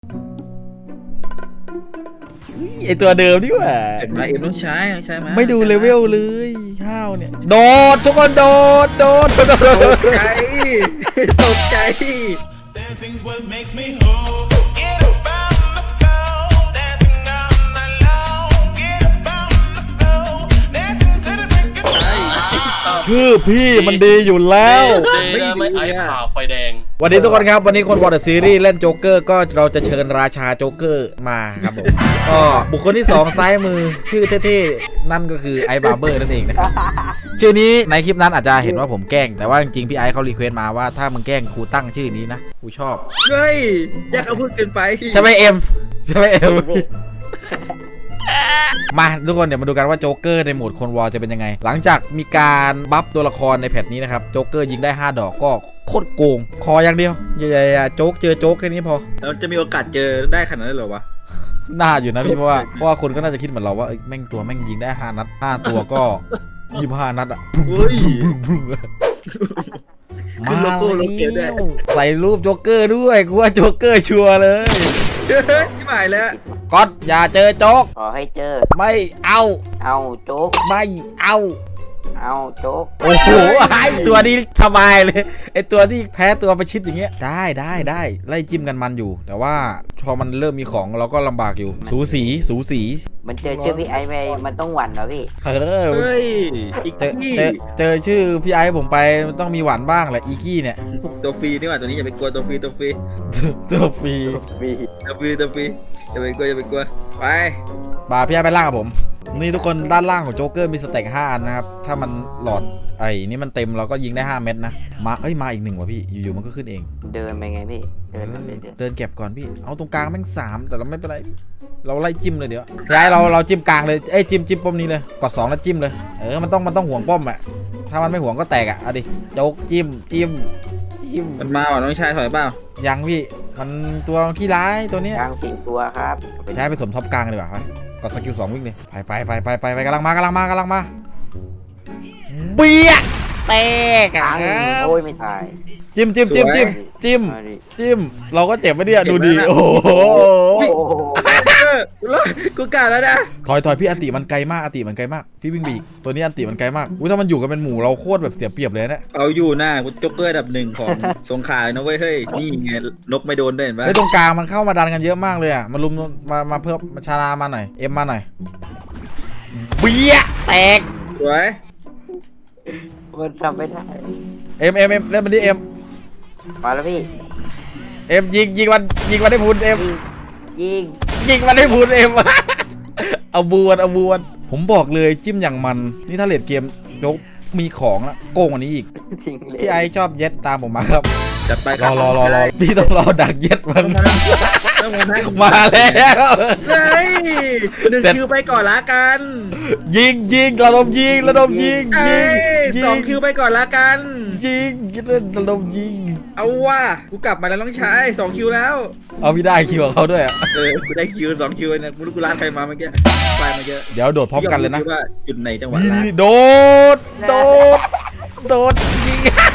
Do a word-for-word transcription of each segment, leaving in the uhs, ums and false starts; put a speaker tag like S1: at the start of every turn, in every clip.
S1: ไอตัวเดิมดีกว่า
S2: เห็นไหมเอ็มต้องใช้ใช่ไหม
S1: ไม่ดูเลเวลเลยข้าวเนี่ยโดดทุกคนโดดโดดโดด
S2: ตกใจตกใจ
S3: Dancing's what makes me whole. Get up on the floor, dancing all night long. Get up on the floor, dancing to the break of dawn.
S1: ชื่อพี่มันดีอยู่แล้ว
S4: เดย์นะไม่ไอ้ผ่าไฟแดง
S1: วันนี้ทุกคนครับวันนี้คนวอร์ดซีรีส์เล่นโจ๊กเกอร์ก็เราจะเชิญราชาโจ๊กเกอร์มาครับผมก็บุคคลที่สองซ้ายมือชื่อเท่ๆนั่นก็คือไอบาร์เบอร์นั่นเองนะครับชื่อนี้ในคลิปนั้นอาจจะเห็นว่าผมแกล้งแต่ว่าจริงๆพี่ไอเขารีเควสต์มาว่าถ้ามึงแกล้งครูตั้งชื่อนี้นะกูชอบ
S2: เฮ้ยอยากเอาพูดเกินไป
S1: ใช่ไหมเอ็มใช่ไหมเอ็มมาทุกคนเดี๋ยวมาดูกันว่าโจ๊กเกอร์ในโหมดคนวอลจะเป็นยังไงหลังจากมีการบัฟตัวละครในแพทนี้นะครับโจ๊กเกอร์ยิงได้ห้าดอกก็โคตรโกงคออย่างเดียวอย่าๆโจ๊กเจอโจ๊กแค่นี้พอ
S2: เราจะมีโอกาสเจอได้ขนาดนั้นเหรอวะ
S1: น่าอยู่นะพี่เพราะว่าเพราะว่าคนก็น่าจะคิดเหมือนเราว่าแม่งตัวแม่งยิงได้ห้านัดห้าตัวก็ยี่สิบห้านัดอ่ะ
S2: เฮ้ย ขึ้นโล
S1: มา
S2: โก้โลเกลด้วย
S1: แล้วใส่รูปโจ๊กเกอร์ด้วยกูว่าโจ๊กเกอร์ชัวร์เลย
S2: ที่หมายแล้ว
S1: ก๊อตอย่าเจอโจ๊ก
S5: ขอให้เจอ
S1: ไม่เอา
S5: เอาโจ๊ก
S1: ไม่เอา
S5: เอาโจ๊ก
S1: โอ้โหไอตัวนี้สบายเลยไอตัวที่แพ้ตัวประชิดอย่างเงี้ยได้ได้ได้ไล่จิ้มกันมันอยู่ แต่ว่าพอมันเริ่มมีของเราก็ลำบากอยู่ สูสีสูสี
S5: มันเจอชื่อพี่ไอ้ไปมันต้องหวั่นเหรอพี่
S1: เออ
S2: เฮ้ยอีก
S1: เจอ
S2: ที่
S1: เจอเจอชื่อพี่ไอ้ผมไปมันต้องมีหวานบ้างแหละอีกี้เนี่ย
S2: ตัวฟรีนี่หว่าตัวนี้อย่าไปกลัวตัวฟรีตัวฟรี
S1: ตัวฟรี
S2: ตัวฟรีตัวฟรีอย่าไปกลัวอย่าไปกลัวไป
S1: บาพี่ไอ้ไปล่างกับผมนี่ทุกคนด้านล่างของโจ๊กเกอร์มีสเต็กห้าอันนะครับถ้ามันหลอดไอ้นี่มันเต็มเราก็ยิงได้ห้าเม็ดนะมาเอ้ยมาอีกหนึ่งว่ะพี่อยู่ๆมันก็ขึ้นเอง
S5: เดินไปไงพี่ เดินไปเดิน
S1: เดินเก็บก่อนพี่เอาตรงกลางแม่งสามแต่เราไม่เป็นไรพี่เราไล่จิ้มเลยเดี๋ยวพี่ไอ้เราเราจิ้มกลางเลยเอ้ยจิ้มจิ้มป้อมนี้เลยกดสองแล้วจิ้มเลยเออมันต้องมันต้องห่วงป้อมอะถ้ามันไม่ห่วงก็แตกอะเอาดิโจ๊กจิ้มจิ้มจิ้ม
S2: มันมาว่ะน้องชายถอยเปล่า
S1: ยังพี่มันตัวขี้ร้ายตัวเนี้ย
S5: กลางสี่ตัวครับ
S1: ใช้ไปสมทบกลางดีกว่าครับกดสกิลสองวิ่งเลยไปไปไปไปไปไปกำลังมากำลังมากำลังมาเบี้ยแตก
S5: กลา
S1: อ่ะ
S5: งโอ้ยไม่ตาย
S1: จิ้มจิ้มจิ้มจิ้มจิ้ม
S5: มาดิ
S1: จิ้มเราก็เจ็บไปเนี่ยดูดิโอ้โห
S5: โอ้โห
S2: เออกูกล้าแล้วนะ
S1: ถอยถอยพี่อันติมันไกลมากอันติมันไกลมากพี่วิ่งบีกตัวนี้อันติมันไกลมากอุ้ยถ้ามันอยู่กันเป็นหมู่เราโคตรแบบเสียเปรียบเลยนะ
S2: เอาอยู่หน้ากูจ็อกเกอร์อันดับหนึ่งของสงขลาเลยนะเว้ยเฮ้ยนี่ไงนกไม่โดนด้วยเห็นปะ
S1: ไอ้ตรงกลางมันเข้ามาดันกันเยอะมากเลยอ่ะมาลุมมามาเพิ่มมาชาลามาหน่อยเอ็มมาหน่อยเบี้ยแตก
S2: สวย
S5: มันทำไม่ได้
S1: เอ็มเอ็มเอ็มเล่นมันดิเอ็ม
S5: มาแล้วพี่
S1: เอ็มยิงยิงมันยิงมันได้พุนเอ็ม
S5: ยิง
S1: ยิงมันได้พุนเอ็ม เอาบวนเอาบวนผมบอกเลยจิ้มอย่างมันนี่ถ้าเลดเกมยกมีของละโกงกว่านี้อีก
S5: ทิ้งเลย
S1: พี่ไอชอบเย็ดตามผมมาครับ
S2: จัดไปค
S1: ร
S2: รั
S1: อบ รอรอรอพี่ต้องรอดักเย็ดมัน
S2: ต้องมานั่ง
S1: มาแล้ว
S2: เฮ้ยหนึ่งคิวไปก่อนละกัน
S1: ยิงยิงระดมยิงระดมยิง
S2: เอ้
S1: ยิง
S2: ย
S1: ยิ
S2: สองคิวไปก่อนละกัน
S1: ยิงระดมยิง
S2: เอาว่ะกูกลับมาแล้วน้องชายสองคิวแล้ว
S1: เอาพี่ได้คิวของเขาด้วยอะ
S2: เออกูได้คิวสองคิวเนี่ยกูรู้กูลาดใครมาเมื่อกี้ไปเมื่อกี้
S1: เดี๋ยวโดดพร้อมกันเลยนะ
S2: พี่ว่าจุดไหนจังหวะ
S1: นี่
S2: ลาด
S1: นี่โดดโดดโดดยิง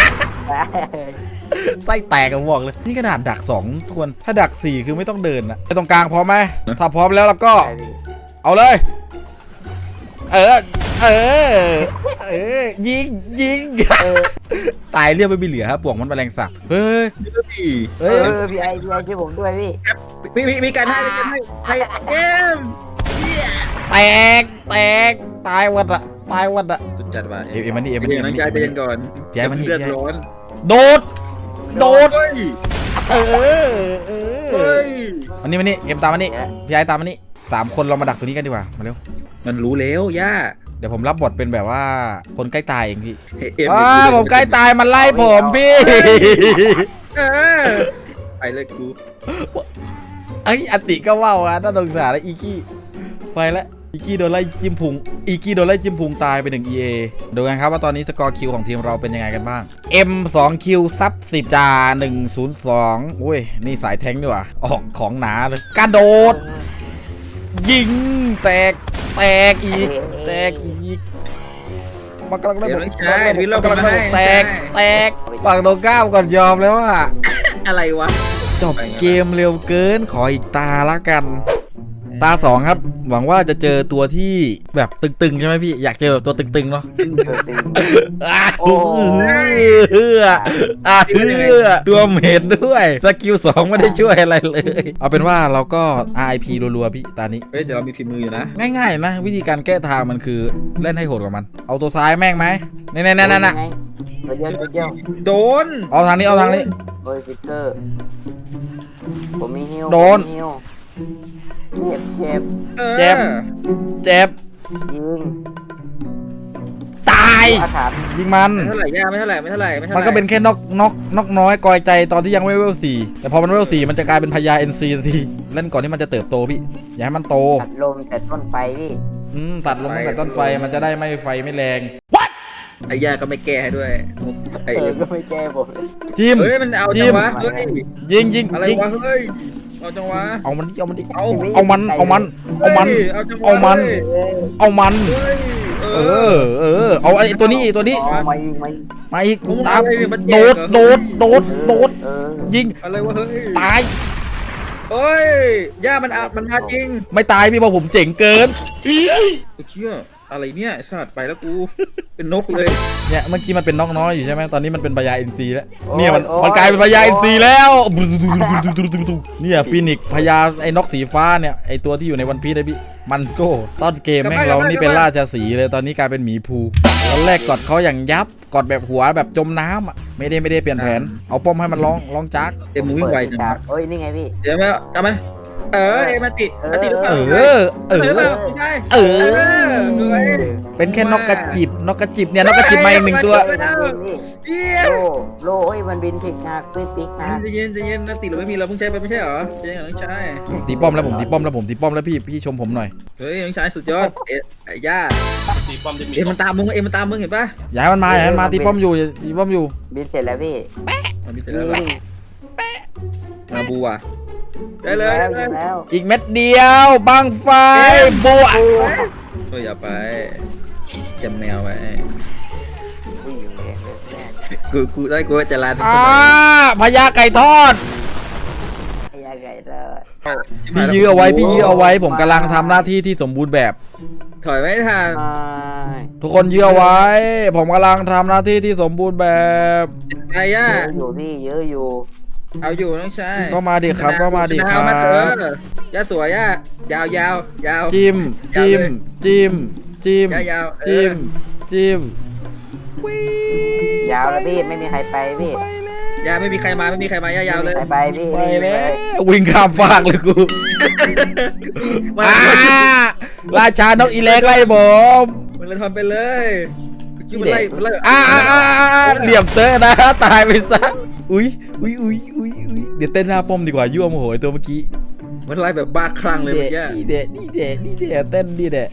S1: ไส้แตกกันบอกเลยนี่ขนาดดักสองทวนถ้าดักสี่คือไม่ต้องเดินอะไปตรงกลางพร้อมไหมถ้าพร้อมแล้วเราก็
S5: ได้พี่
S1: เอาเลย เออ เออ เออ ยิง ยิง ตายเรียบไม่มีเหลือครับปวกมันแมลงสาบเฮ้ย
S2: พี่
S5: เอ
S1: เฮ้ย
S5: อพี่ไอ้พี่ไอ้ช่วยผมด้วยพี่
S2: มีมีมีการให้มีการให้ให้เอ็ม
S1: แตก แตก ตายวัดอะตายวัดอะ
S2: สุดจัดว่ะ
S1: เอ็มเอ็มมันนี่เอ็มมันนี่
S2: น้องชายใจเย็นก่อน
S1: พี่ไอ้มันนี่
S2: เลือดร้อน
S1: โดด โดด
S2: เฮ้ย
S1: เออ เอ
S2: เฮ้
S1: อย มันนี่มันนี่เอ็มตามมันนี่พี่ไอ้ตามมันนี่สามคนเรามาดักตัวนี้กันดีกว่า มาเร็ว
S2: มันรู้แล้วย่า
S1: เดี๋ยวผมรับบทเป็นแบบว่าคนใกล้ตายเองพี่
S2: เอ็ม
S1: ว้าผมใกล้ตายมันไล่ผมพี่
S2: เออไปเลยกู
S1: ไอ้ยอติก็ว่าวอ่ะน่าสงสารแล้วอีกี้ไปแล้วอีกี้โดนไล่จิ้มพุงอีกี้โดนไล่จิ้มพุงตายไปหนึ่ง อี เอ ดูกันครับว่าตอนนี้สกอร์คิวของทีมเราเป็นยังไงกันบ้าง M สองคิวซับสิบจ่าหนึ่งศูนย์สองโอ้ยนี่สายแทงดีกว่าออกของหนาเลยกระโดด ยิงแตกแตกอีกแตกอีกมากำลังได้
S2: เดี๋
S1: บ
S2: ยว
S1: ท
S2: น้องชายวิลเรา
S1: กำลังได้บท
S2: มาให้
S1: แตกแตกฝั่งตรงข้ามก่อนยอมแล้วอ่ะ
S2: อะไรวะ
S1: จบเกมเร็วเกินขออีกตาละกัน ตาสองครับ หวังว่าจะเจอตัวที่แบบตึงๆใช่ไหมพี่อยากเจอแบบตัวตึงๆเนาะ
S5: เออตึง
S1: อ่ะ
S5: โอ้
S1: เฮืออ่ะเฮือตัวเมดด้วยสกิลสองไม่ได้ช่วยอะไรเลย เอาเป็นว่าเราก็ อาร์ ไอ พี รัวๆพี่ตานี้
S2: เฮ้ยแต่เรามีฝีมืออยู่นะ
S1: ง่ายๆนะ วิธีการแก้ทางมันคือเล่นให้โหดกว่ามัน เอาตัวซ้ายแม่งไหมนี่ๆๆๆ
S5: ไงตัวเดียวตัวเดียว
S2: โดน
S1: เอาทางนี้เอาทางนี้
S5: โอ้ยฟิกเกอร์ผมมีฮิว
S1: โดน
S5: ผมมีฮิวเจ็บเจ็บ
S2: ออ
S1: เจ็บ เจ็บ
S5: ยิง
S1: ตาย
S5: อาถรรพ์
S1: ยิงมัน
S2: ไม่เท่าไหร่ย่าไม่เท่าไหร่ไม่เท่าไหร่ไม่เท่าไหร่
S1: มันก็เป็นแค่นกนกนกน้อยกอยใจตอนที่ยังไม่เวลสี่แต่พอมันเวลสี่มันจะกลายเป็นพญา เอ็น ซี ทันทีเล่นก่อนที่มันจะเติบโตพี่อย่าให้มันโต
S5: ตัดลมแต่ต้นไฟพี่
S1: อืมตัดลงตั้งแต่ต้นไฟมันจะได้ไม่ไฟไม่แรง
S2: ไอ้ย่าก็ไม่แก้ให้ด้วยไอ้
S5: เออก็ไม่แก้ผมเลย
S1: จิ้ม
S2: เฮ้ยมันเอา
S1: จิ้
S2: จั
S1: ม
S2: งวะเฮ้ย
S1: ยิงยิง
S2: อะไร
S1: ยิง
S2: วะเฮ้ยเอาจังวะ
S1: เอามันดิเอามันดิ
S2: เอา
S1: เอามันเอามันเอามัน
S2: ฮ้ยเอาจังวะ
S1: เอามัน
S2: ฮ้ย
S1: เอามัน
S2: เฮ้ย
S1: เออเออเอาไอ้ตัวนี้ตัวนี้
S5: อ๋อมายิงมายิง
S1: มาอีก
S2: มึง
S1: ตาม
S2: อะไรเนี่ยมันแจ
S1: โด
S2: ก
S1: ด
S2: เหรอ
S1: โดดโดดโดด
S5: เออ
S1: ยิง
S2: อะไรวะเฮ้ย
S1: ตาย
S2: เฮ้ยย่ามันอามันมาจริง
S1: ไม่ตายพี่เพราะผมเจ๋งเกิน
S2: กูเชื่ออะไรเนี่ยไอ้สัตว์ไปแล้วกูเป็นนกเลย
S1: เนี่ยเมื่อกี้มันเป็นนกน้อยอยู่ใช่ไหมตอนนี้มันเป็นพญา เอ็น ซี แล้วเนี่ยมันมันกลายเป็นพญา เอ็น ซี แล้วเนี่ยฟีนิกซ์พญาไอ้นกสีฟ้าเนี่ยไอ้ตัวที่อยู่ในวันพีซเลยพี่มันโก้ต้นเกมแม่งเรานี่เป็นราชสีห์เลยตอนนี้กลายเป็นหมีภูตอนแรกกดเขาอย่างยับกดแบบหัวแบบจมน้ำอ่ะไม่ได้ไม่ได้เปลี่ยนแผนเอาป้อมให้มันร้องร้องจัก
S2: เอ็มมึงวิ่งไวจัง
S5: เปิด
S2: วะ
S5: ฉากเอ้ยนี่ไงพี่
S2: เดี๋ยวมาเอามันเออเอ็มมาติมาติหรือเป
S1: เอ
S2: ล่า
S1: อเออ
S2: หรือเปล่าไม่ใช่
S1: เออ
S2: สวย
S1: เป็นแค่นกกระจิบนกกระจิบเนี่ยนกกระจิบมาอีกหนึ่งตัว
S5: มันบินพี่
S2: เยี่ย
S5: โลโลเอ้ยมันบินผิดฉากปิดปิดฉาก
S2: ใจเย็นใจเย็นนาติเราไม่มีเราเพิ่งใช้ไปไม่ใช่เหรอใจเย็นน้องชาย
S1: ผมตีป้อมแล้วผมตีป้อมแล้วผมตีป้อมแล้วพี่พี่ชมผมหน่อย
S2: เฮ้ยน้องชายสุดยอดเอ๊ะไอ้ย่า
S4: ตีป้อมจะมี
S2: เอ็มมันตามมึงเอ็มมันตามมึงเห็นปะ
S1: อย่าให้มันมาอย่าให้มันมาตีป้อมอยู่อย่าตีป้อมอยู่
S5: บินเสร็จแล้วพี่
S2: มันมีแต่
S5: ยิ
S2: ละ
S5: ง
S2: มาบูอ่ะได้เลย
S5: แล้
S2: ได้
S5: ว
S2: เลย
S5: แล้ว
S1: อีกเม็ดเดียวบังไฟบัว
S2: เฮ้ยอย่าไปจำแนวไว้
S5: อุ้ยแม่งเลยแม่ง
S2: กูกูได้กูจะลาทุก
S1: อ่า
S2: คน
S1: พญาไก่ทอด
S5: ไอ้ยังไงเด้อ
S1: พี่ยื้อเอาไว้พี่ยื้อเอาไว้ผมกำลังทำหน้าที่ที่สมบูรณ์แบบ
S2: ถอยไม่ทัน
S5: ไม่
S1: ทุกคนยื้อเอาไว้ ผมกำลังทำหน้าที่ที่สมบูรณ์แบบ
S2: ไอ้ย่า
S5: เยอะอยู่พี่เยอะอยู่
S2: เอาอยู่น้องชาย
S1: ก็มาดิครับก็มาดิค
S2: ช
S1: รั
S2: นะ
S1: บ
S2: มาเถอะย่าสวยย่ายาวยาวยาว
S1: จิ้มจิ้มจิ้มจิ้ม
S2: ยาวยาวเอ
S1: จิ้
S2: อ
S1: มจิ้ม
S5: ยาวแล้วพี่ไม่มีใครไปพี่
S2: ยาไม่มีใครมาไม่มีใครมาย่ายาวเลย
S5: ไม่มีใครไปพี่
S1: ไป
S5: นี่
S1: แล้
S5: เล
S1: วย วิ่งข้ามฟากเลยกู
S2: มา
S1: อ่าราชานกอีเล็กไล่ผม
S2: มันเลยทำไปเลยคิดมันไล่มันไล่
S1: อ่าอ่าอ่าอ่าเหลี่ยมเตอะนะตายไปซะอุ้ยอุ้ยอุ้ยอุ้ยอุ้ยเดี๋ยวเต้นหน้าป้อมดีกว่ายั่วโมโหไอ้ตัวเมื่อกี้
S2: มันไล่แบบบ้าคลั่งเลย
S1: เด
S2: เมื่อกี้
S1: นี่เดะนี่เดะนี่เดะเต้นนี่เดะ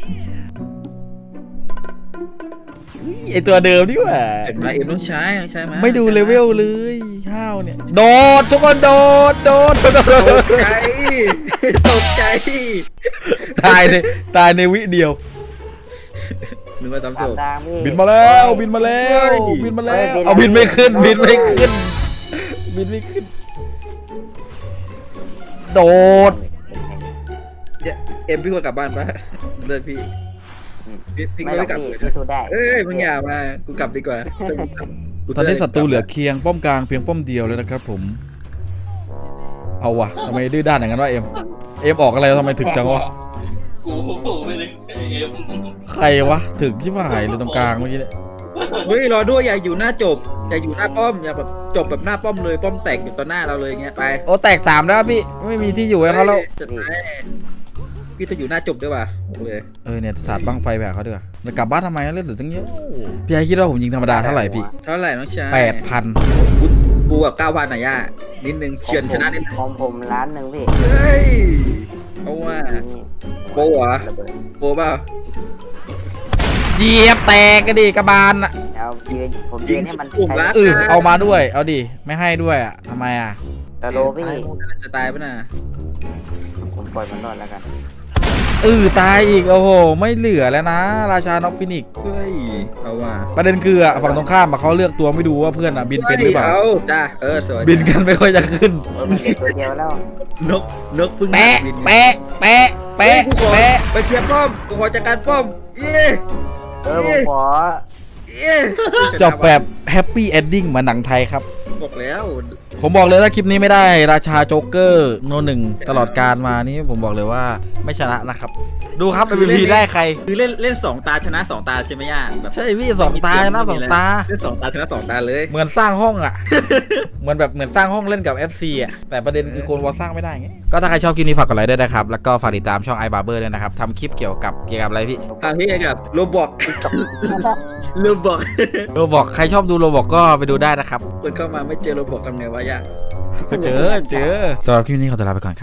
S1: อุ๊ยไอตัวเดิมนี่หว่า
S2: เห็นไหมเอ็มต้องใช้ต้องใช้ไหม
S1: ไม่ดูเลเวลเลยข้าวเนี่ยโดดทุกคนโดดโดดโดดโด
S2: ต
S1: ด
S2: กใจตกใจ
S1: ตายในตายในวิเดียว
S2: นึกว่าซ้ำ
S5: ตา
S2: จ
S5: ม
S2: บ
S5: ทางพี่
S1: บินมาแล้วบินมาแล้วบินมาแล้วเอาบินไม่ขึ้นบินไม่ขึ้นบินไม่ขึ้นโดด
S2: เอ็มพี่ควรกลับบ้านปะเลิกพี่พี่พี่
S5: ไม่
S2: ก็
S5: หรอ
S2: ไม่
S5: ก
S2: กลับ
S5: พี่
S2: เลย
S5: พี่สู้ได้
S2: เอ้ยมึงอย่ามากูกลับดีกว่ากู
S1: ตอนนี้ศัตรูเหลือเคียงป้อมกลางเพียงป้อมเดียวเลยนะครับผมเอาวะทำไมดื้อด้านอย่างนั้นวะเอ็มเอ็มออกอะไรทำไมถึกจังวะ
S4: กูไม่ได้เอ็ม
S1: ใครวะถึกชิบหายเลยตรงกลางเมื่อกี้เนี่ย
S2: เฮ้ยรอด้วยอย่าอยู่หน้าจบอย่าอยู่หน้าป้อมอย่าแบบจบแบบหน้าป้อมเลยป้อมแตกอยู่ต่อหน้าเราเลยเงี้ยไป
S1: โอ้แตกสามแล้วพี่ไม่มีที่อยู่ให้เขาแล้ว
S2: จะไปพี่จะอยู่หน้าจบด้วยว่ะบอกเลย
S1: เออเนี่ยสาดบังไฟแบบเขาดีกว่าแล้วกลับบ้านทำไมเล่นเหลือตั้งเยอะพี่ไอคิดว่าผมยิงธรรมดาเท่าไหร่พี่
S2: เท่าไหร่น้องชาย
S1: แปดพัน
S2: กูกูแบบเก้าพันอ่ะย่านิดนึงเฉือนชนะนิดนึง
S5: ของผมล้านหนึ่งพี่
S2: เฮ้ยเพราะว่า
S5: นี่
S2: โปรเหรอ
S5: ระเบิด
S2: โปรเปล่า
S1: เหยียบแตกกันดิกระบาลอ่ะ
S5: เอายืนผมยืนให้มัน
S2: ปุ่มรัก
S1: เออเอามาด้วยเอาดิไม่ให้ด้วยอ่ะทำไมอ่ะ
S5: ตะโลพี่
S2: จะตายปะน่ะ
S5: ผมปล่อยมันรอดแล้วกัน
S1: เออตายอีกโอ้โหไม่เหลือแล้วนะ ราชาน็อกฟินิกซ์
S2: เฮ้ยเอาว่ะ
S1: ประเด็นคืออะฝั่งตรงข้ามอะเขาเลือกตัวไม่ดูว่าเพื่อนอะบินเป็นหรือเปล่า
S2: เอาจ้าเออสวย
S1: บินกันไม่ค่อยจะขึ้น
S5: โอ้ยมันเหลือตัวเดียวแล้ว
S2: นกนกพึ่ง
S1: แปะ
S2: บิน
S1: แปะแปะ
S2: เฮ้ย
S1: แปะ
S2: กูขอ
S1: แปะ
S2: ไปเคลียร์ป้อมกูขอจัดการป้อมเย้
S5: เออผมขอ
S2: เย้
S1: จบแบบแฮปปี้เอนดิ้งเหมือนหนังไทยครับ
S2: บอกแล้ว
S1: ผมบอกเลยถ้าคลิปนี้ไม่ได้ราชาโจ๊กเกอร์โนหนึ่งตลอดการมานี่ผมบอกเลยว่าไม่ชนะนะครับ ดูครับ เอ็ม วี พี ได้ใคร
S2: คือเล่นเล่นสองตาชนะสองตาใช่ไหมย่าแบบ
S1: ใช่พี่สองตาชนะสองตา
S2: เล่นสองตาชนะสองตาเลย
S1: เหมือนสร้างห้องอ่ะ เหมือนแบบเหมือนสร้างห้องเล่นกับ เอฟ ซี อ่ะ แต่ประเด็นคือโคนวอลสร้างไม่ได้ไง ก็ถ้าใครชอบคลิปนี้ฝากกดไลค์ด้วยนะครับ แล้วก็ฝากติดตามช่อง iBarber ด้วยนะครับทำคลิปเกี่ยวกับเกี่ยวกับอะไรพี่
S2: ทางที่กับโรบอกโรบอก
S1: โรบอกใครชอบดูโรบอกก็ไปดูได้นะครับ
S2: คนเข้ามาไม่เจอโรบอกทำไงวะย่า
S1: เจอเจอสำหรับคลิปนี้ขอตัวลาไปก่อนครับ